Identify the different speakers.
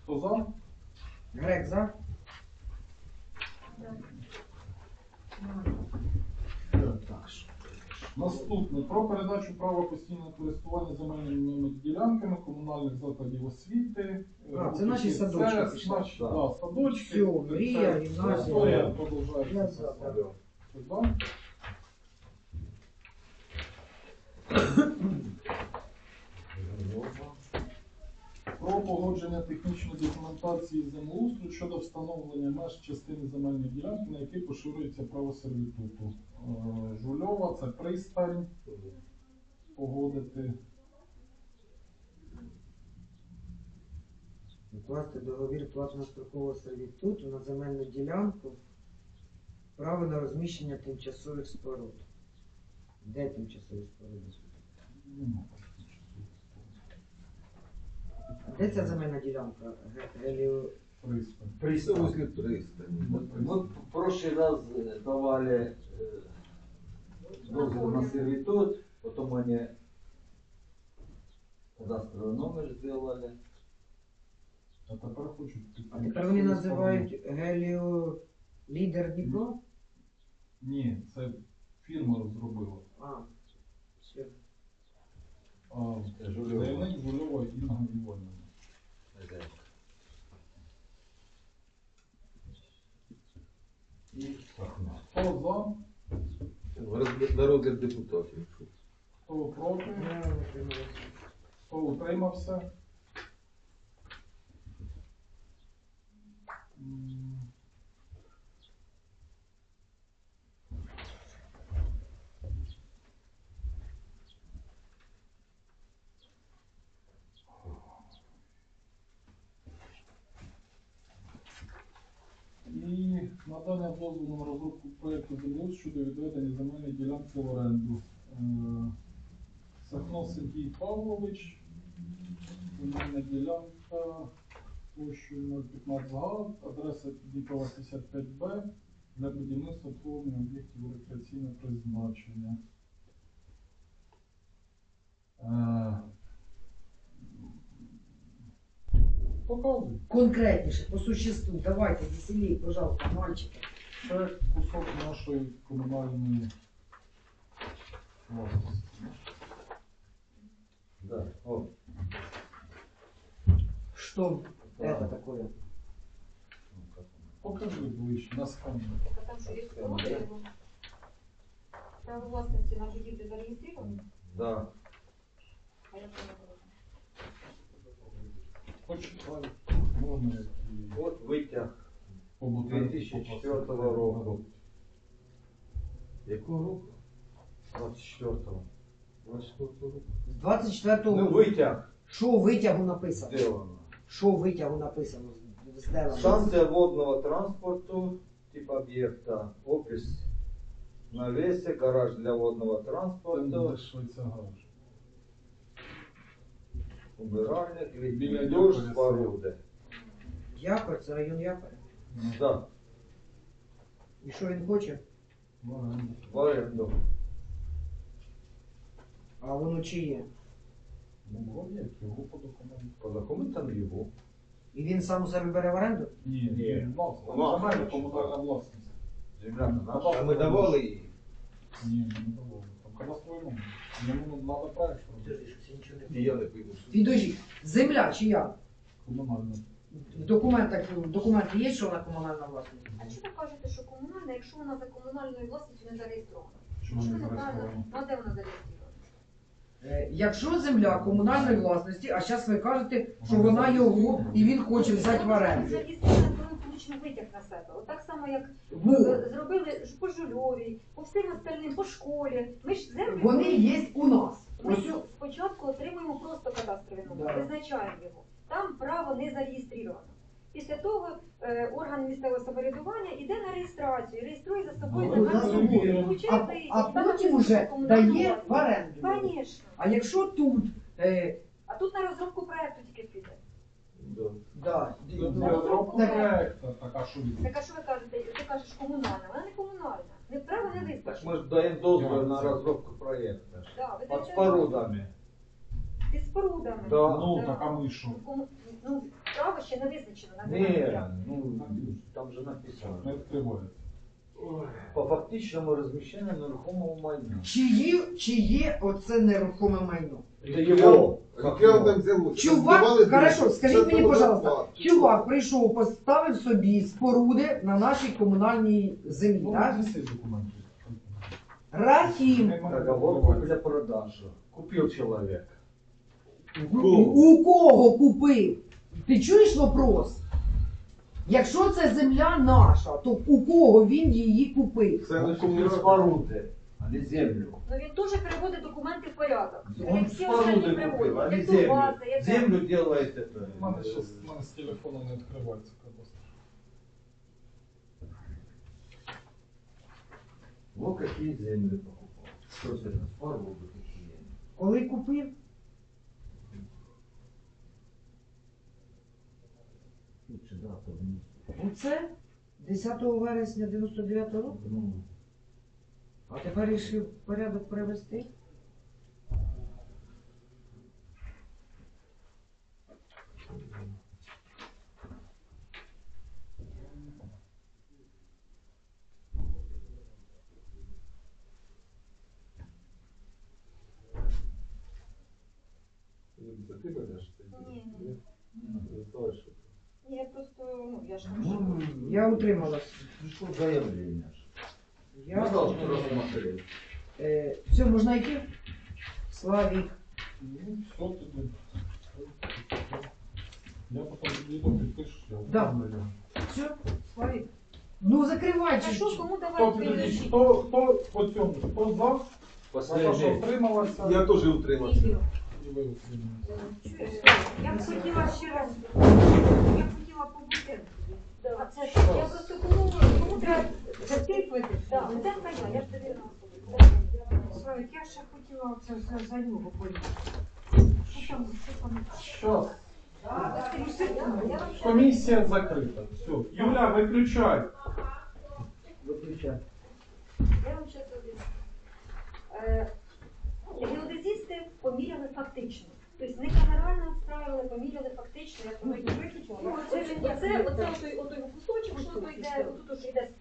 Speaker 1: Хто за?
Speaker 2: Грек за.
Speaker 1: Так. Наступне. Про передачу права постійного користування земельними ділянками комунальних закладів освіти.
Speaker 2: Це наші садочки
Speaker 1: Це
Speaker 2: пішли.
Speaker 1: наші, да, садочки.
Speaker 2: Все, мрія, гімназія.
Speaker 1: Історія
Speaker 2: Я
Speaker 1: продовжується.
Speaker 2: за, да.
Speaker 1: Сюди. Про погодження технічної документації землеустрою щодо встановлення меж частини земельної ділянки, на якій поширюється право сервітуту. Жульова, це пристань. Погодити.
Speaker 2: Укласти договір платно-строкового сервітуту на земельну ділянку. Право на розміщення тимчасових споруд. Де тимчасові споруди? Де ця земельна ділянка?
Speaker 1: Пристань.
Speaker 3: Пристань возле пристани. Мы в прошлый раз давали дозвол на сервитут, потом они кадастровый номер сделали.
Speaker 1: А тепер хочуть.
Speaker 2: А тепер вони називають Геліо Лідер Дніпро?
Speaker 1: Ні, це фірма розробила.
Speaker 2: Все.
Speaker 1: Заявник Жульова Інна Іванівна. Хто за?
Speaker 3: На розгляд депутатів.
Speaker 1: Хто проти? Хто утримався? І надання дозволу на розробку проєкту землеустрою щодо відведення земельної ділянки в оренду. Сахно Сергій Павлович, земельна ділянка площею 015 га, адреса Дніпрова 55Б для будівництва обслуговування об'єктів рекреаційного призначення. Показуй.
Speaker 2: Конкретніше, по существу. Давайте, веселей, пожалуйста, мальчики.
Speaker 1: Це кусок нашої комунальної власності.
Speaker 3: Да. О.
Speaker 2: Что
Speaker 3: Да.
Speaker 2: это такое?
Speaker 1: Покажи ближче, на скані.
Speaker 4: А там что, есть споруды? Право властности на будівлю зареєстровано?
Speaker 3: Да.
Speaker 4: А я поняла.
Speaker 1: Почитай. Можна і
Speaker 3: От витяг
Speaker 1: побутові
Speaker 3: 2004 року. Якого року? 24-го. 24-го року.
Speaker 2: З 24-го
Speaker 3: Ну,
Speaker 2: року.
Speaker 3: витяг
Speaker 2: Що у витягу написано?
Speaker 3: сделано.
Speaker 2: Що у витягу написано? Сделано.
Speaker 3: Станция водного транспорту, тип объекта, опись на весе, гараж для водного
Speaker 1: Це
Speaker 3: транспорту,
Speaker 1: не Швейця гараж.
Speaker 3: убиральник,
Speaker 1: Біля
Speaker 3: літній душ,
Speaker 1: Якоря
Speaker 3: споруди.
Speaker 2: Якор, це район Якоря.
Speaker 3: Да,
Speaker 2: І що він хоче?
Speaker 3: в оренду.
Speaker 2: А воно чиє?
Speaker 1: Ну, об'єкт, його по документу.
Speaker 3: По документам його.
Speaker 2: І він сам у себе бере в оренду?
Speaker 1: Ні,
Speaker 3: Ні.
Speaker 1: власне. Земельна комунальна власність.
Speaker 3: Земля наша.
Speaker 1: Кадастровий
Speaker 3: А ми давали її.
Speaker 1: Ні, не давали. Там кадастровий номер. Йому треба проект робити.
Speaker 3: І я не пойму.
Speaker 2: Підожди, земля чия?
Speaker 1: Комунальна.
Speaker 2: В документи є, що вона комунальна власність?
Speaker 4: А чого ви кажете, що комунальна, якщо вона за комунальною власністю не зареєстрована?
Speaker 1: Чому
Speaker 4: Що
Speaker 1: не
Speaker 4: неправильно?
Speaker 1: зареєстровано?
Speaker 4: Ну, а де вона зареєстрована?
Speaker 2: Якщо земля комунальної власності, а зараз ви кажете, що вона його і він хоче взяти в оренду.
Speaker 4: Зареєстрована, коли ми получимо витяг на себе. От так само, як
Speaker 2: Во.
Speaker 4: зробили ж по Жульовій, по всім остальним, по школі. Ми ж землю...
Speaker 2: Вони є у нас.
Speaker 4: Ми
Speaker 2: Ось
Speaker 4: спочатку отримуємо просто кадастровий номер,
Speaker 2: Да.
Speaker 4: визначаємо його. Там право не зареєстровано. Після того орган місцевого самоврядування йде на реєстрацію, реєструє за собою
Speaker 1: Ну,
Speaker 4: загальну
Speaker 1: розумію.
Speaker 4: суму, і получає
Speaker 2: а
Speaker 4: витяг.
Speaker 2: а
Speaker 4: І там
Speaker 2: потім
Speaker 4: написано,
Speaker 2: вже
Speaker 4: що комунальна
Speaker 2: дає в
Speaker 4: власність.
Speaker 2: оренду.
Speaker 4: Звісно.
Speaker 2: А якщо тут,
Speaker 4: А тут на розробку проекту тільки піде.
Speaker 3: Да.
Speaker 2: да,
Speaker 1: Це розробка проекту, така що від.
Speaker 4: Так а що ви кажете? Ти кажеш комунальна, вона не комунальна. Не право не
Speaker 3: Так
Speaker 4: визначено.
Speaker 3: ми ж даємо дозвіл на розробку проєкту.
Speaker 4: Да, ви
Speaker 3: Під
Speaker 4: даєте
Speaker 3: спорудами.
Speaker 4: Під спорудами.
Speaker 3: Да.
Speaker 1: Ну, така ми що?
Speaker 4: Ну, право право ще не визначено на
Speaker 3: Не,
Speaker 4: земельну ділянку.
Speaker 3: ну, там же написано.
Speaker 1: Не відкривається.
Speaker 3: По фактичному розміщенню нерухомого майна.
Speaker 2: Чи є оце нерухоме майно?
Speaker 3: Це його.
Speaker 5: Яке вам там взялося?
Speaker 2: Чувак,
Speaker 5: Збивали
Speaker 2: хорошо,
Speaker 5: двері.
Speaker 2: скажіть
Speaker 5: Це
Speaker 2: мені,
Speaker 5: було
Speaker 2: пожалуйста,
Speaker 5: зарплата.
Speaker 2: чувак прийшов, поставив собі споруди на нашій комунальній землі,
Speaker 1: Ну,
Speaker 2: так?
Speaker 1: внеси документи.
Speaker 2: Рахім.
Speaker 3: Договор купля-продажа. Купив чоловік.
Speaker 2: У кого купив? Ти чуєш вопрос? Якщо це земля наша, то у кого він її купив?
Speaker 5: Це
Speaker 3: Він
Speaker 5: лише
Speaker 3: купив споруди, а не землю.
Speaker 4: Ну він теж приводить документи в порядок.
Speaker 3: Он
Speaker 4: Як всі остальні
Speaker 3: споруди купив, а не
Speaker 4: приводять.
Speaker 3: землю.
Speaker 4: База, яка-
Speaker 3: Землю делает это.
Speaker 1: У мене з телефону не відкривається кадастр.
Speaker 3: Вот какие земли покупал. Что это? Споруды такие.
Speaker 2: Коли купив?
Speaker 3: Лучше дату внести.
Speaker 2: Оце 10 вересня 99 року.
Speaker 3: Ну,
Speaker 2: А тепер вирішив порядок привести.
Speaker 5: Це ти ведеш?
Speaker 4: Ні,
Speaker 5: Ні.
Speaker 4: Ні, я просто, ну, я ж
Speaker 3: ну,
Speaker 2: Я утрималась.
Speaker 3: пришло заявление.
Speaker 2: Я
Speaker 3: Я должен рассмотреть.
Speaker 2: Все, можна йти? Славік.
Speaker 1: Ну, все тоді. Я потім відео підпишу. я
Speaker 2: Да.
Speaker 1: оформлю.
Speaker 2: Все, Славік. Ну закривай
Speaker 4: А
Speaker 2: чи
Speaker 4: що,
Speaker 2: що?
Speaker 4: кому
Speaker 1: Хто
Speaker 4: давати
Speaker 1: тоді?
Speaker 4: підключити?
Speaker 1: Хто по цьому? Хто за? За те, що
Speaker 3: Последний.
Speaker 1: утрималася?
Speaker 5: Я теж утримався.
Speaker 1: І ви утрималися.
Speaker 4: Чуєш, я б хотіла ще раз, я б хотіла побути. А це
Speaker 1: Що?
Speaker 4: я просто кому треба затипити. Так, де твоя, я ж тобі розповідаю.
Speaker 6: Славик, я ще хотіла це за нього поїхати. Що там?
Speaker 1: Що?
Speaker 4: Я вам ще-
Speaker 1: Комісія закрита. Все. Юля, виключай.
Speaker 2: Виключай.
Speaker 4: Я вам ще тобі. Геодезісти поміряли фактично. Тобто не генерально відправили, поміряли фактично, я сьогодні виключила. Оце отой кусочок, що тут йде, тут йде